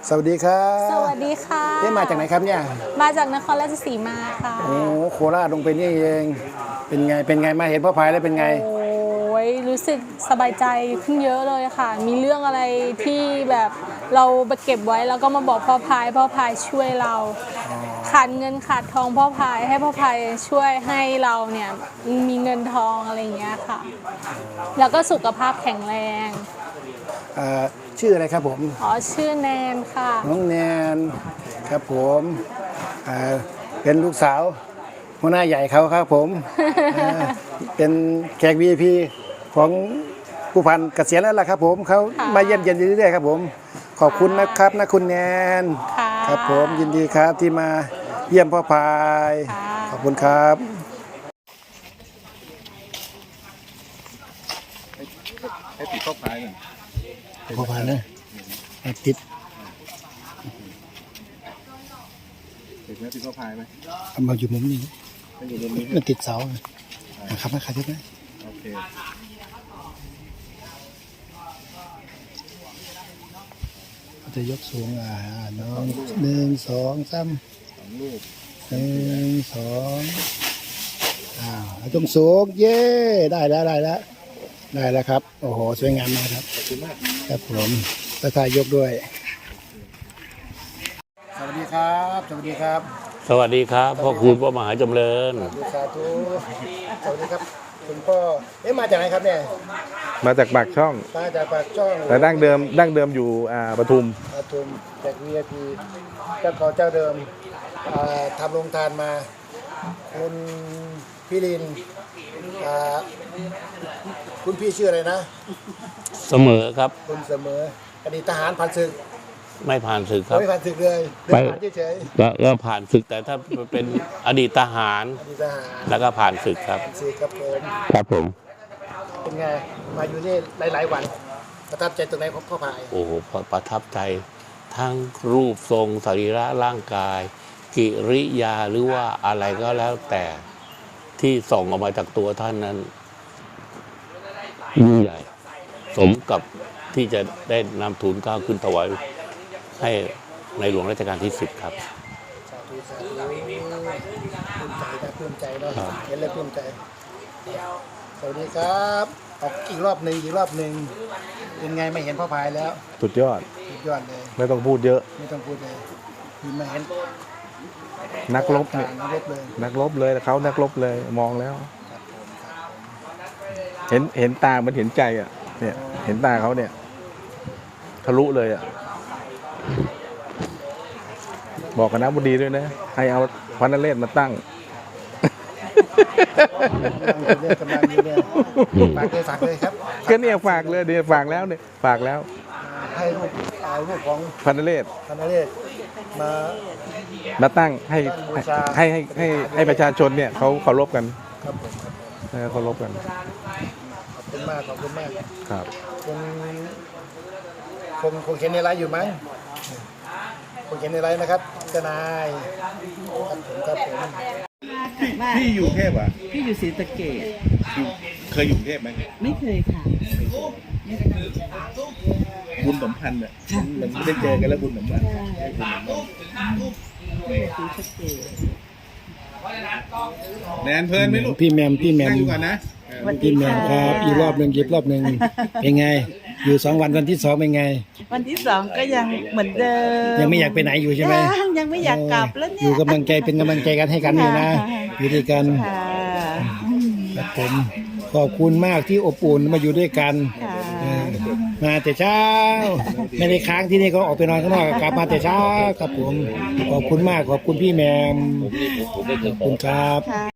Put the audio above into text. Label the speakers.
Speaker 1: สวัสดีครับ
Speaker 2: สวัสดีค่ะ
Speaker 1: มาจากไหนครับเนี่ย
Speaker 2: มาจากนครราชสีมาค่ะ
Speaker 1: โอ้โคราชลงไปนี่เองเป็นไงมาเห็นพ่อพายแล้วเป็นไง
Speaker 2: โอ้ยรู้สึกสบายใจขึ้นเยอะเลยค่ะมีเรื่องอะไรที่แบบเราไปเก็บไว้แล้วก็มาบอกพ่อพายช่วยเราขาดเงินขาดทองพ่อพายให้พ่อพายช่วยให้เราเนี่ยมีเงินทองอะไรอย่างเงี้ยค่ะแล้วก็สุขภาพแข็งแรง
Speaker 1: ชื่ออะไรครับผม
Speaker 2: ชื่อแนนค่ะ
Speaker 1: น้องแนนครับผมเป็นลูกสาวหัวหน้าใหญ่เขาครับผม เป็นแขก VIP ของผู้พันเกษียณแล้วล่ะครับผมเขามาเยี่ยมเยียนอยู่เรื่อยๆครับผมขอบคุณนะครับนะคุณแนนครับผมยินดีครับที่มาเยี่ยมพ่อพายขอบคุณครับ
Speaker 3: ให้ติดพ่อพายหน่อย
Speaker 1: พ่อพายนะติด
Speaker 3: ไหมติดพ่อพายไหม
Speaker 1: มาอยู่มุมนี้มันติดเสาครับนะใครจะได้
Speaker 3: โอเค
Speaker 1: จะยกสูงน้อง1 2 3
Speaker 3: 2 ลูก
Speaker 1: 1 2ต้องสูงเย้ได้แล้วครับโอ้โหสวยงามมากครับ
Speaker 3: ขอบคุณมาก
Speaker 1: ครับผมตะทายยกด้วยสวัสดีครับ
Speaker 4: สวัสดีครับพ่อคุณพ่อมหาจำเริญ
Speaker 1: สาธุสวัสดีครับคุณพ่อมาจากไหนครับเนี่ย
Speaker 3: มาจากปากช่องแต่ดั้งเดิมอยู่ปทุม
Speaker 1: จาก VIP เจ้าของเจ้าเดิมทำโรงทานมาคุณพี่ลินคุณพี่ชื่ออะไรนะ
Speaker 4: เสมอครับ
Speaker 1: คุณเสมออดีตทหารผ่านศึก
Speaker 4: ไม่ผ่านศึกครับ
Speaker 1: ไม่ผ่านศึกเลย
Speaker 4: ไปเฉยๆก็ผ่านศึกแต่ถ้าเป็นอดีตทหารแล้วก็ผ่านศึกครับครับผม
Speaker 1: เป็นไงมาอยู่นี่หลายๆวันประทับใจตรงไหนพ่อพาย
Speaker 4: โอ้โหประทับใจทั้งรูปทรงสรีระร่างกายกิริยาหรือว่าอะไรก็แล้วแต่ที่ส่งออกมาจากตัวท่านนั้นยิ่งใหญ่สมกับที่จะได้นำทูลเกล้าขึ้นถวายให้ในหลวงรัชกาลที่10ครับ
Speaker 1: ภูมิใจเนาะเห็นแล้วภูมิใจสวัสดีครับออกอีกรอบหนึ่งเป็นไงไม่เห็นพ่อพายแล้ว
Speaker 3: สุดยอด
Speaker 1: เลย
Speaker 3: ไม่ต้องพูดเยอะ
Speaker 1: เลยมาเห็น
Speaker 3: นักรบเนี่ยนักรบเลยเขานักรบเลยมองแล้วเห็นตามันเห็นใจอ่ะเนี่ยเห็นตาเขาเนี่ยทะลุเลยอ่ะบอกคณะบดีด้วยนะให้เอาพระนเรศมาตั้ง
Speaker 1: ฝากเลยครับ
Speaker 3: ก็เนี่ยฝากเลยเดี๋ยวฝากแล้ว
Speaker 1: ให้ลูกของ
Speaker 3: พระนเรศมาตั้งให้ประชาชนเนี่ยเขาเคารพกันเคารพกัน
Speaker 1: ขอบคุณมาก
Speaker 3: ครับ
Speaker 1: คงเขียนในไลน์อยู่มั้งคงเขียนในไลน์นะครับทนายครับผม
Speaker 3: พี่อยู่เทพอ่ะ
Speaker 5: พี่อยู่ศรีสะเกษ
Speaker 3: เคยอยู่เทพไหม
Speaker 5: ไม่เคยค่ะ
Speaker 3: บุญสัมพันธ์อ่ะมันไม่ได้เจอกันแล้วบุญสัมพันธ์แนนเพลินไหมลูก
Speaker 1: พี่แมม
Speaker 3: นั่งอยู่ก่อนนะ
Speaker 1: พี่แมมครับอีกรอบหนึ่งเป็นไงอยู่2 วันที่2เป็นไง
Speaker 5: วันที่2ก็ยังเหมือนเดิม
Speaker 1: ยังไม่อยากไปไหนอยู่ใช่ไหม
Speaker 5: ยังไม่อยากกลับแล้วเนี่ย
Speaker 1: อยู่กำลังใจเป็นกำลังใจกันให้กันอยู่นะอยู่ด้วยกันครับผมขอบคุณมากที่อบอุ่นมาอยู่ด้วยกันมาแต่เช้าไม่ได้ค้างที่นี่ก็ออกไปนอนข้างนอกกลับมาแต่เช้าครับผมขอบคุณมากขอบคุณพี่แมมขอบคุณครับ